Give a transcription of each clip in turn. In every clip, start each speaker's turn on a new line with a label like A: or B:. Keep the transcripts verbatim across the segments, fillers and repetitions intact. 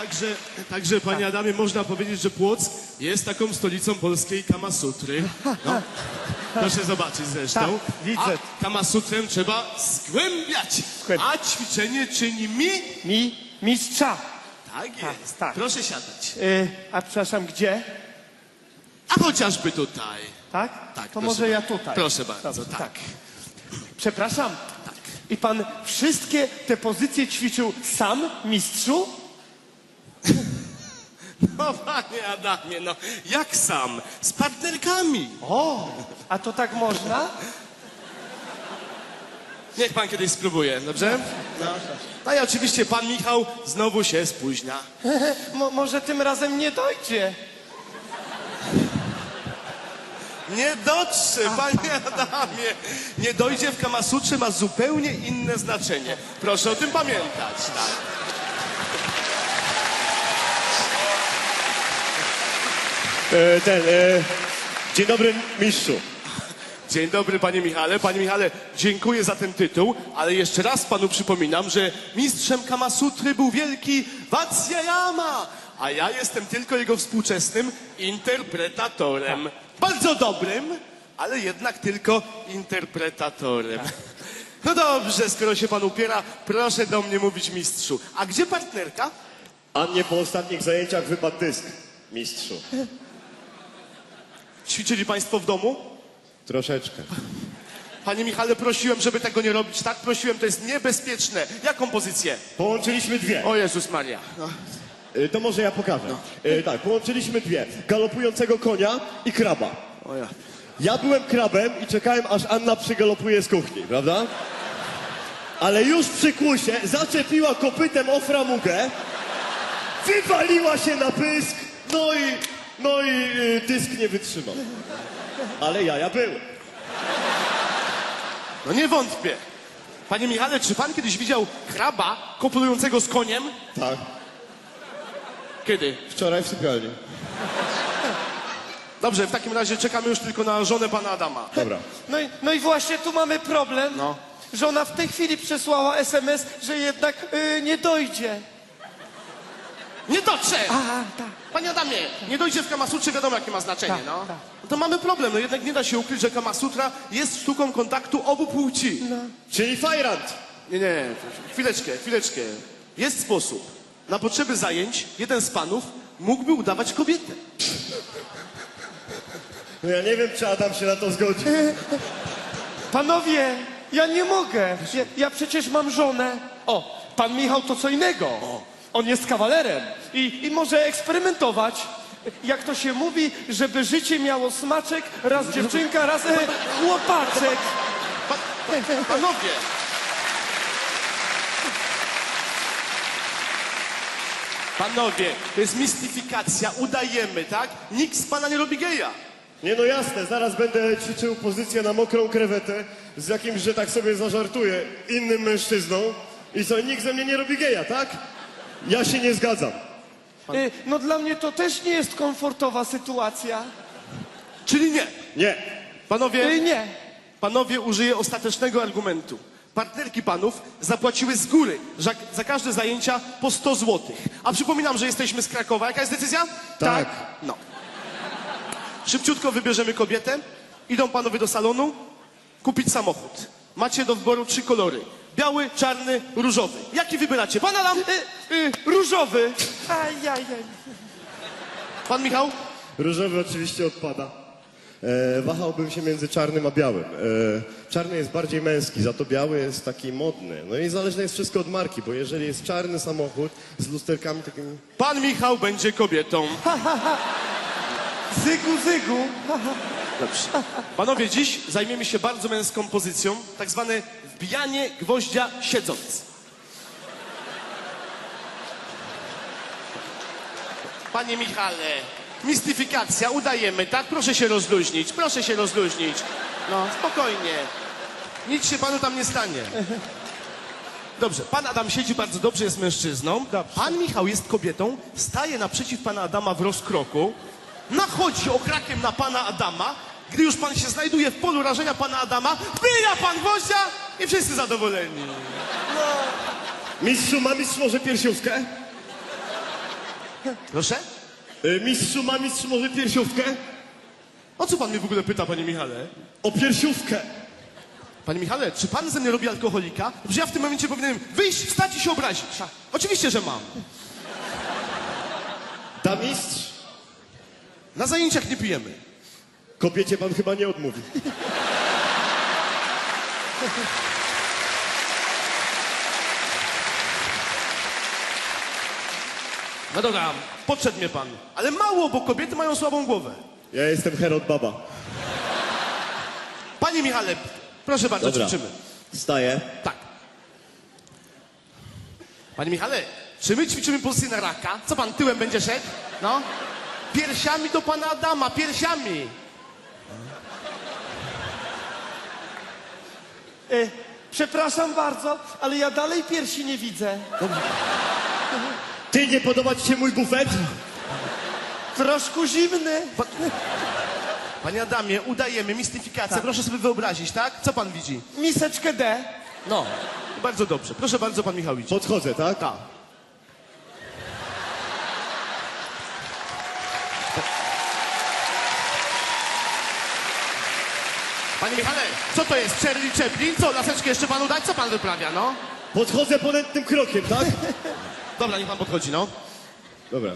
A: także, także panie Adamie, można powiedzieć, że Płock jest taką stolicą polskiej Kamasutry. No, proszę zobaczyć zresztą.
B: Tak, widzę.
A: A Kamasutrę trzeba zgłębiać, a ćwiczenie czyni mi...
B: Mi, mistrza.
A: Tak jest,
B: tak.
A: proszę siadać.
B: Y, a przepraszam, gdzie?
A: A chociażby tutaj.
B: Tak?
A: Tak,
B: to
A: proszę
B: może ja
A: bardzo.
B: tutaj.
A: Proszę bardzo,
B: Dobrze,
A: tak.
B: Przepraszam.
A: Tak.
B: I pan wszystkie te pozycje ćwiczył sam, mistrzu?
A: No panie Adamie, no jak sam? Z partnerkami.
B: O, a to tak można?
A: Niech pan kiedyś spróbuje, dobrze? No. No i oczywiście pan Michał znowu się spóźnia.
B: Mo, może tym razem nie dojdzie.
A: Nie dotrze, panie Adamie. Nie dojdzie w Kamasutrze ma zupełnie inne znaczenie. Proszę o tym pamiętać, tak.
C: E, ten, e, dzień dobry, mistrzu.
A: Dzień dobry, panie Michale. Panie Michale, dziękuję za ten tytuł, ale jeszcze raz panu przypominam, że mistrzem Kamasutry był wielki Vatsyayama, a ja jestem tylko jego współczesnym interpretatorem. Bardzo dobrym, ale jednak tylko interpretatorem. No dobrze, skoro się pan upiera, proszę do mnie mówić mistrzu. A gdzie partnerka?
C: A mnie po ostatnich zajęciach wypadł dysk, mistrzu.
A: Ćwiczyli państwo w domu?
C: Troszeczkę.
A: Panie Michale, prosiłem, żeby tego nie robić. Tak, prosiłem, to jest niebezpieczne. Jaką pozycję?
C: Połączyliśmy dwie.
A: O Jezus Maria. No.
C: E, to może ja pokażę. E, tak, połączyliśmy dwie. Galopującego konia i kraba.
A: O ja.
C: Ja byłem krabem i czekałem, aż Anna przygalopuje z kuchni, prawda? Ale już przy kłusie zaczepiła kopytem o framugę, wywaliła się na pysk, no i, no i y, dysk nie wytrzymał. Ale jaja były.
A: No nie wątpię. Panie Michale, czy pan kiedyś widział kraba kopulującego z koniem?
C: Tak,
A: Kiedy?
C: wczoraj w sypialni.
A: Dobrze, w takim razie czekamy już tylko na żonę pana Adama.
C: Dobra.
B: No i, no i właśnie tu mamy problem.
A: No.
B: Żona w tej chwili przesłała es em es, że jednak y, nie dojdzie.
A: Nie dotrze!
B: A, tak.
A: Panie Adamie, nie dojdzie w Kamasutrze, wiadomo jakie ma znaczenie,
B: Tak,
A: no.
B: tak.
A: No to mamy problem, no jednak nie da się ukryć, że Kamasutra jest sztuką kontaktu obu płci.
C: Czyli fajrant.
A: Nie, nie, chwileczkę, chwileczkę. Jest sposób. Na potrzeby zajęć jeden z panów mógłby udawać kobietę.
C: No ja nie wiem, czy Adam się na to zgodzi.
B: Panowie, ja nie mogę. Ja, ja przecież mam żonę. O, pan Michał to co innego. On jest kawalerem i, i może eksperymentować. Jak to się mówi, żeby życie miało smaczek, raz dziewczynka, raz e, chłopaczek.
A: Pa, pa, panowie! Panowie, to jest mistyfikacja, udajemy, tak? Nikt z pana nie robi geja.
C: Nie no jasne, zaraz będę ćwiczył pozycję na mokrą krewetę z jakimś, że tak sobie zażartuję, innym mężczyzną. I co, nikt ze mnie nie robi geja, tak? Ja się nie zgadzam.
B: E, no dla mnie to też nie jest komfortowa sytuacja.
A: Czyli nie.
C: Nie.
A: Panowie,
B: E, nie.
A: panowie użyję ostatecznego argumentu. Partnerki panów zapłaciły z góry za, za każde zajęcia po sto złotych. A przypominam, że jesteśmy z Krakowa. Jaka jest decyzja?
C: Tak.
A: No. Szybciutko wybierzemy kobietę. Idą panowie do salonu kupić samochód. Macie do wyboru trzy kolory. Biały, czarny, różowy. Jaki wybieracie? Pan Adam?
B: E, e, różowy. Ajajaj.
A: Pan Michał?
C: Różowy oczywiście odpada. E, wahałbym się między czarnym a białym. E, czarny jest bardziej męski, za to biały jest taki modny. No i zależne jest wszystko od marki, bo jeżeli jest czarny samochód z lusterkami takimi...
A: Pan Michał będzie kobietą.
B: Zygu, zygu.
A: Dobrze. Panowie, dziś zajmiemy się bardzo męską pozycją, tak zwane wbijanie gwoździa siedząc. Panie Michale, mistyfikacja, udajemy, tak? Proszę się rozluźnić, proszę się rozluźnić. No, spokojnie. Nic się panu tam nie stanie. Dobrze, pan Adam siedzi bardzo dobrze, jest mężczyzną.
B: Dobrze.
A: Pan Michał jest kobietą, staje naprzeciw pana Adama w rozkroku, nachodzi okrakiem na pana Adama. Gdy już pan się znajduje w polu rażenia pana Adama, wbija pan gwoździa i wszyscy zadowoleni.
C: Mistrzu, ma mistrz może piersiówkę?
A: Proszę?
C: Y, mistrzu, ma mistrz może piersiówkę?
A: O co pan mnie w ogóle pyta, panie Michale?
C: O piersiówkę.
A: Panie Michale, czy pan ze mnie robi alkoholika? Że ja w tym momencie powinienem wyjść, wstać i się obrazić. Oczywiście, że mam.
C: Da mistrz?
A: Na zajęciach nie pijemy.
C: Kobiecie pan chyba nie odmówi.
A: No dobra, podszedł mnie pan. Ale mało, bo kobiety mają słabą głowę.
C: Ja jestem Herod Baba.
A: Panie Michale, proszę bardzo,
C: Dobra.
A: ćwiczymy.
C: Staję.
A: Tak. Panie Michale, czy my ćwiczymy pozycję na raka? Co pan tyłem będzie szedł? No. Piersiami do pana Adama, piersiami.
B: E, przepraszam bardzo, ale ja dalej piersi nie widzę.
C: Ty, nie podoba ci się mój bufet?
B: Troszkę zimny.
A: Panie Adamie, udajemy mistyfikację. Proszę sobie wyobrazić, tak? Co pan widzi?
B: Miseczkę D.
A: No. Bardzo dobrze. Proszę bardzo, pan Michał widzi.
C: Podchodzę, tak?
A: Tak. Panie Michale, co to jest? Charlie Chaplin? Co, laseczkę jeszcze panu dać? Co pan wyprawia, no?
C: Podchodzę ponętnym krokiem, tak?
A: Dobra, niech pan podchodzi, no.
C: Dobra.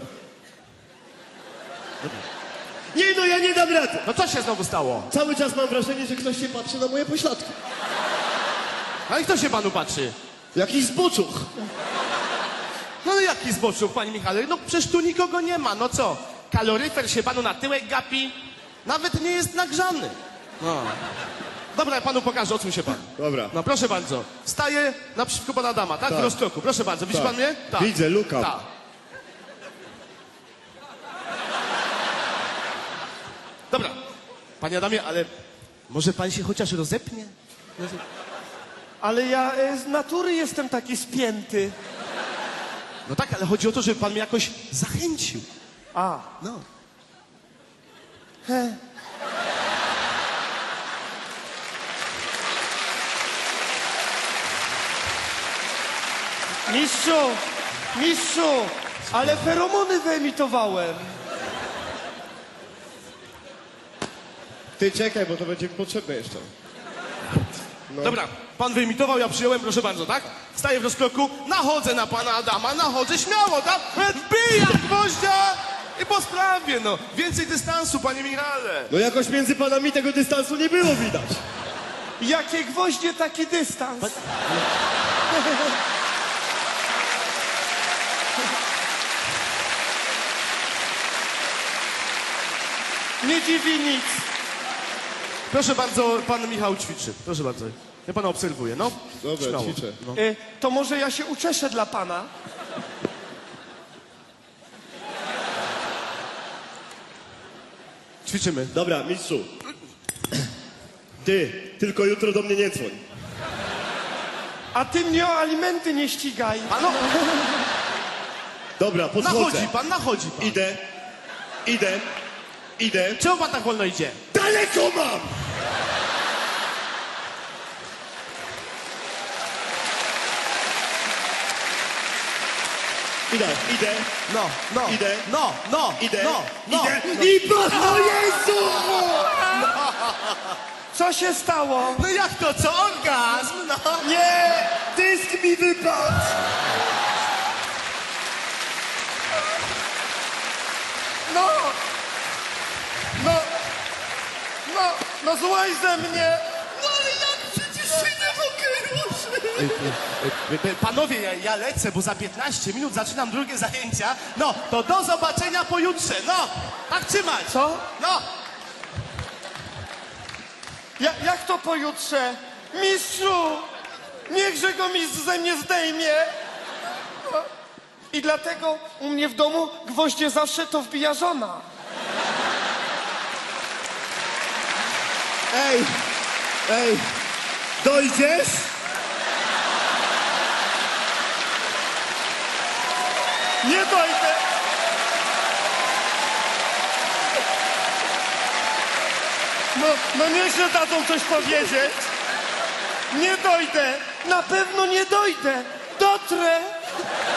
C: Nie no, ja nie dam rady.
A: No co się znowu stało?
C: Cały czas mam wrażenie, że ktoś się patrzy na moje pośladki.
A: Ale kto się panu patrzy?
C: Jakiś zboczuch.
A: No ale jaki zboczył, panie Michale? No przecież tu nikogo nie ma, no co? Kaloryfer się panu na tyłek gapi? Nawet nie jest nagrzany. No. Dobra, ja panu pokażę, odsuń się pan.
C: Dobra.
A: No proszę bardzo. Staję naprzeciwko pana Adama, tak?
C: Tak.
A: W rozkroku. Proszę bardzo. Widzi
C: Tak.
A: pan mnie?
C: Widzę, look up.
A: Tak. Dobra. Panie Adamie, ale może pan się chociaż rozepnie?
B: Ale ja e, z natury jestem taki spięty.
A: No tak, ale chodzi o to, żeby pan mnie jakoś zachęcił.
B: A.
A: No.
B: He. Mistrzu, mistrzu, ale feromony wyemitowałem.
C: Ty czekaj, bo to będzie mi potrzebne jeszcze. No.
A: Dobra, pan wyimitował, ja przyjąłem, proszę bardzo, tak? Staję w rozkroku, nachodzę na pana Adama, nachodzę śmiało, tak? Wbijam gwoździa i po sprawie, no. Więcej dystansu, panie Michale.
C: No jakoś między panami tego dystansu nie było widać.
B: Jakie gwoździe, taki dystans. Nie dziwi nic.
A: Proszę bardzo, pan Michał ćwiczy. Proszę bardzo. Ja pana obserwuję, no.
C: Dobra,
A: Śmiało.
C: ćwiczę.
A: No.
B: E, to może ja się uczeszę dla pana?
A: Ćwiczymy.
C: Dobra, mistrzu. Ty, tylko jutro do mnie nie dzwoń.
B: A ty mnie o alimenty nie ścigaj.
A: Pano,
C: Dobra, podchodzę.
A: nachodzi pan, nachodzi pan.
C: Idę, idę, idę.
A: Czemu pan tak wolno idzie?
C: Daleko mam! Idę, idę,
A: No, no.
C: Idę.
A: No, no,
C: idę,
A: no, no.
C: idę. I patrz, o Jezu!
B: Co się stało?
A: No jak to, co? Orgazm, no.
C: Nie! Dysk mi wypadł!
B: No! No! No! No złaź ze mnie!
C: No ale jak przecież się nie mogę ruszyć?
A: E, e, Panowie, ja, ja lecę, bo za piętnaście minut zaczynam drugie zajęcia. No, to do zobaczenia pojutrze. No, tak trzymać.
B: Co?
A: No.
B: Ja, jak to pojutrze? Mistrzu! Niechże go mistrz ze mnie zdejmie! No. I dlatego u mnie w domu gwoździe zawsze to wbija żona.
C: Ej, ej, dojdziesz?
B: Nie dojdę! No, no niechże dadzą coś powiedzieć. Nie dojdę! Na pewno nie dojdę! Dotrę!